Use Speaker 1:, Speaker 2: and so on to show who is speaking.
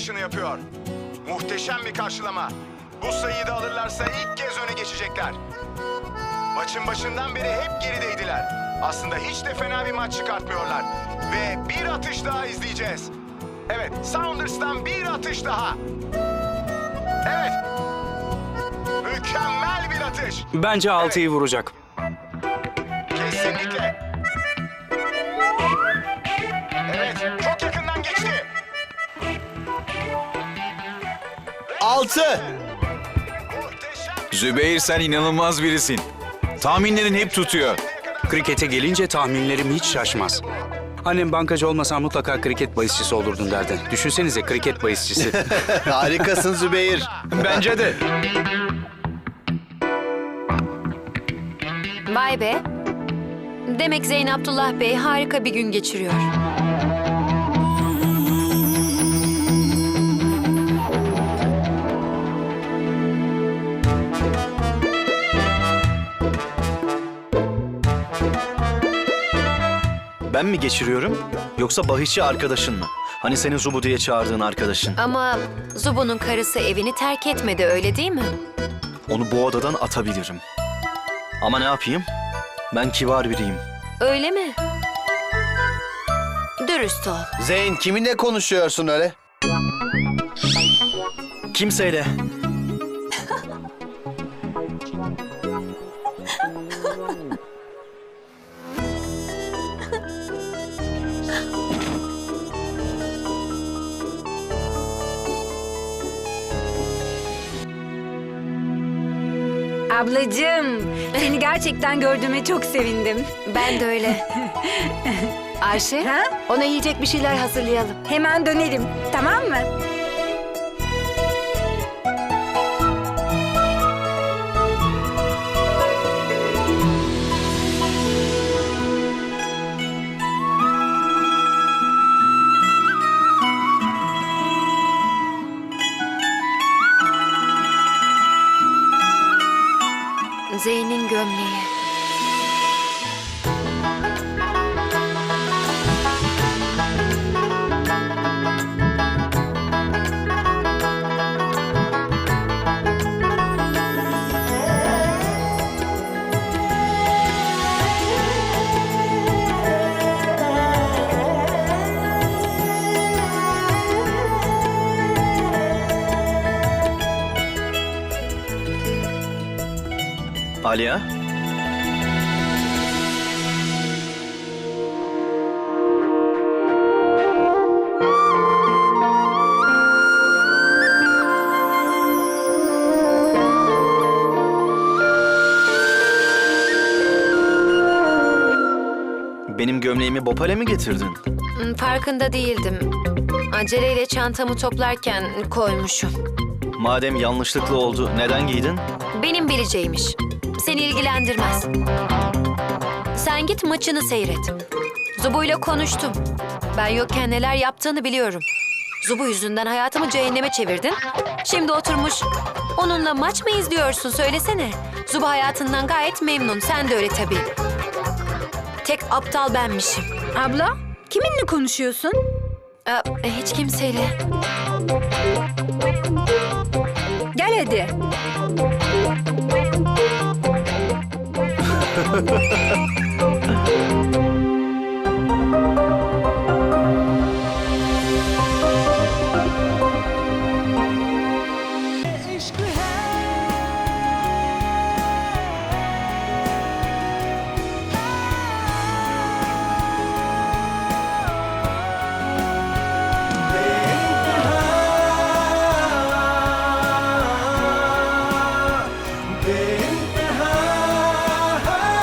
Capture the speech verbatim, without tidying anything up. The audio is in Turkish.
Speaker 1: atışını yapıyor. Muhteşem bir karşılama. Bu sayıyı da alırlarsa ilk kez öne geçecekler. Maçın başından beri hep gerideydiler. Aslında hiç de fena bir maç çıkartmıyorlar. Ve bir atış daha izleyeceğiz. Evet, Sounders'tan bir atış daha. Evet. Mükemmel bir atış.
Speaker 2: Bence altıyı vuracak.
Speaker 1: Kesinlikle. Evet, çok yakından geçti.
Speaker 3: Altı.
Speaker 1: Muhteşem.
Speaker 4: Zübeyir, sen inanılmaz birisin. Tahminlerin hep tutuyor.
Speaker 2: Krikete gelince tahminlerim hiç şaşmaz. Annem bankacı olmasa mutlaka kriket bahisçisi olurdun derdi. Düşünsenize, kriket bahisçisi.
Speaker 3: Harikasın Zübeyir.
Speaker 2: Bence de.
Speaker 5: Vay be. Demek Zeyn Abdullah Bey harika bir gün geçiriyor.
Speaker 3: Ben mi geçiriyorum yoksa bahisçi arkadaşın mı? Hani senin Zubu diye çağırdığın arkadaşın.
Speaker 5: Ama Zubu'nun karısı evini terk etmedi, öyle değil mi?
Speaker 3: Onu bu odadan atabilirim. Ama ne yapayım? Ben kibar biriyim.
Speaker 5: Öyle mi? Dürüst ol.
Speaker 6: Zeyn, kiminle konuşuyorsun öyle?
Speaker 3: Kimseyle.
Speaker 7: Ablacığım, seni gerçekten gördüğüme çok sevindim.
Speaker 5: Ben de öyle. Ayşe,
Speaker 7: Ha?
Speaker 5: ona yiyecek bir şeyler hazırlayalım.
Speaker 7: Hemen dönerim, tamam mı?
Speaker 5: Zeyn'in gömleği.
Speaker 3: Aliya. Benim gömleğimi Bopal'e mi getirdin?
Speaker 5: Hmm, Farkında değildim. Aceleyle çantamı toplarken koymuşum.
Speaker 3: Madem yanlışlıkla oldu, neden giydin?
Speaker 5: Benim bileceğimiş. Seni ilgilendirmez. Sen git maçını seyret. Zubu'yla konuştum. Ben yokken neler yaptığını biliyorum. Zubu yüzünden hayatımı cehenneme çevirdin. Şimdi oturmuş onunla maç mı izliyorsun, söylesene. Zubu hayatından gayet memnun. Sen de öyle tabii. Tek aptal benmişim.
Speaker 7: Abla, kiminle konuşuyorsun?
Speaker 5: Aa, hiç kimseyle.
Speaker 7: Gel hadi.